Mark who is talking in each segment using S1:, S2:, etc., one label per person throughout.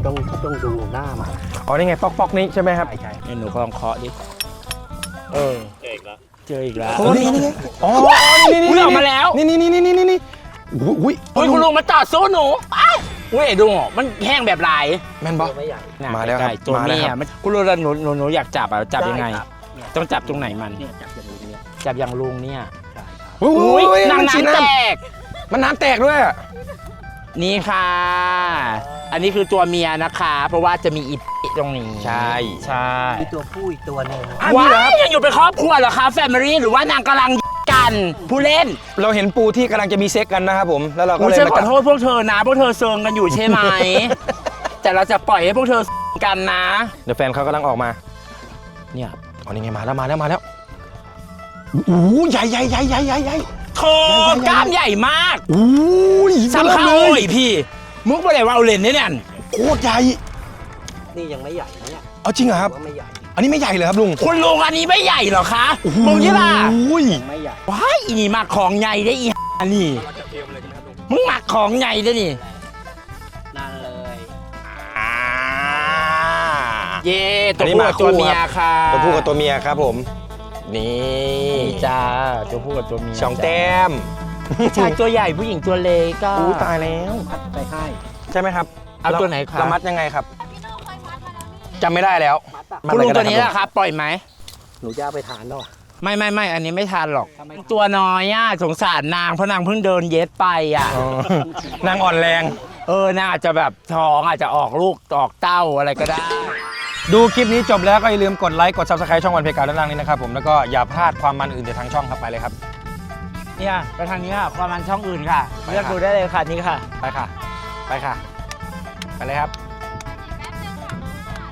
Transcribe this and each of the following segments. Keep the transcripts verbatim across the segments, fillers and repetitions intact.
S1: ต้องต้องดูหน้ามัน
S2: อ๋อนี่ไงป๊อกป๊อกนี้ใช่ไหมครับ
S1: ใช่ใช่
S3: นี่หนูก็ลองเคาะดิเออเจออีกแล้วเจออีกแล้ว
S2: โอ้นี่นี่ไงอ๋อนี่นี่
S3: อุ้ย
S2: นี่
S3: ออกมาแล้ว
S2: นี่นี่นี่นี่นี่นี่อุ้ย
S3: อุ้ยคุณลุงมาจอดสู้หนูอ้าวอุ้ยดูมันแห้งแบบลาย
S2: แม่นบอ
S1: ตัวไม่ใหญ่
S3: น่ะ
S2: มาแล้วครับ
S3: ใกๆตัว
S2: มาแล้ว
S3: เมี
S2: ค
S3: ย
S2: รับ
S3: มันคุณลุงหนูหนูหนูอยากจับอ่ะจับยังไง
S1: ด้ครับเนี่ย
S3: ต้องจับตรงไหนมัน
S1: เนี่ยจับอย่างนี้เนี่ย
S3: จับอย่างลุงเนี่ย
S1: ใช่ครับ
S2: อุ้
S3: อุ้ย
S2: ย
S3: นาง
S2: มันฉีด
S3: น้ำแต
S2: น้
S3: ก
S2: ำมันน้ำแตกด้วยอะ
S3: นี่ค่ะ อันนี้คือตัวเมียนะคะ เพราะว่าจะมีอีตรงนี้
S2: ใช่
S3: ใช่
S1: มีตัวผู้อีกตัวหนึ่ง
S2: อ่ะ
S3: ว้า
S2: นี่เหรอครับ
S3: ยยังอยู่เป็นครอบครัวเหรอคะแฟมิลี่หรือว่านางกำลังกันผู้เล่น
S2: เราเห็นปูที่กำลังจะมีเซ็กกันนะครับผมแล้วเราก็
S3: กู
S2: เลย
S3: ฉัน
S2: มา
S3: ขอ
S2: จับ
S3: โทษพวกเธอนะพวกเธอเซิงกันอยู่ใช่ไหม แต่เราจะปล่อยให้พวกเธอกันนะ
S2: เดี๋ยวแฟนเขากำลังออกมา
S3: เนี่ย
S2: อ๋อนี่ไงมาแล้วมาแล้วมาแล้วโอ้โหใหญ่ใหญ่ใหญ่ใหญ่ใหญ่ใหญ่
S3: โธ่กล้ามใหญ่มาก
S2: โอ้ย
S3: สำคัญ
S2: เล
S3: โอ้
S2: ย
S3: ยพี่ มุกไปไหนว่าเอาเลนเนี่ยเนี่ย
S2: โคตรใหญ่
S1: นี่ยังไม่ใหญ่นะเนี่ย
S2: เอาจริงเหรอครับ
S1: ว่าไม่ใหญ่
S2: อันนี้ไม่ใหญ่เลยครับลุง
S3: คุณลุงอันนี้ไม่ใหญ่เหรอคะมึงยี่ล่ะ
S2: โอ้ย
S1: ยังไม่ใหญ่
S3: ว้ายอีนี่มาของใหญ่ได้อีอันนี้มึงมาของใหญ่ได้นี่
S1: นั่นเลย
S3: อ่าเย่ตัวผู้กับตัวเมียค่ะ
S2: ตัวผู้กับตัวเมียครับผม นี่
S3: นี่จ้าตัวผู้กับตัวเมีย
S2: สองแต้ม
S3: ผู้ชายตัวใหญ่ผู้หญิงตัวเล็กก็
S2: อู้ตายแล้ว
S1: พัดไปให้
S2: ใช่ไหมครับ
S3: เอาตัวไหนครับ
S2: เรามัดยังไงครับจำไม่ได้แล้ว
S1: มัดอะ
S2: มัด
S3: คุณ
S2: อะไร
S3: ลุง
S2: ก็
S3: ตัว
S2: ได้
S3: นี้
S2: ครับ
S3: แหละครับปล่อยไหม
S1: หนูจะเอาไปทานแล้วอะ
S3: ไม่ไม่ไม่อันนี้ไม่ทานหรอก
S1: ทำไม
S3: ตัวน้อยอ่ะสงสารนางเพราะนางเพิ่งเดินเย็ดไปอ่ะ
S2: อ๋อนางอ่อนแรง
S3: เออนางอาจจะแบบท้องอาจจะออกลูกออกเต้าอะไรก็ได้
S2: ดูคลิปนี้จบแล้วก็อย่าลืมกดไลค์กด ซับสไครต์ ช่องวันเพกาด้านล่างนี้นะครับผมแล้วก็อย่าพลาดความมันอื่นจากทางช่องครับไปเลยครับ
S3: เนี่ยไปทางนี้ค่ะความมันช่องอื่นค่ะ
S2: ไปค่ะ
S3: เลือกดูได้เลยค่ะนี่ค่ะ
S2: ไปค่ะ ไปค่ะ ไปเลยครับ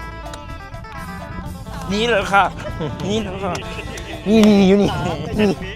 S3: นี่เลยค่ะ นี่เลยค่ะ
S2: นี่นี่อยู่นี่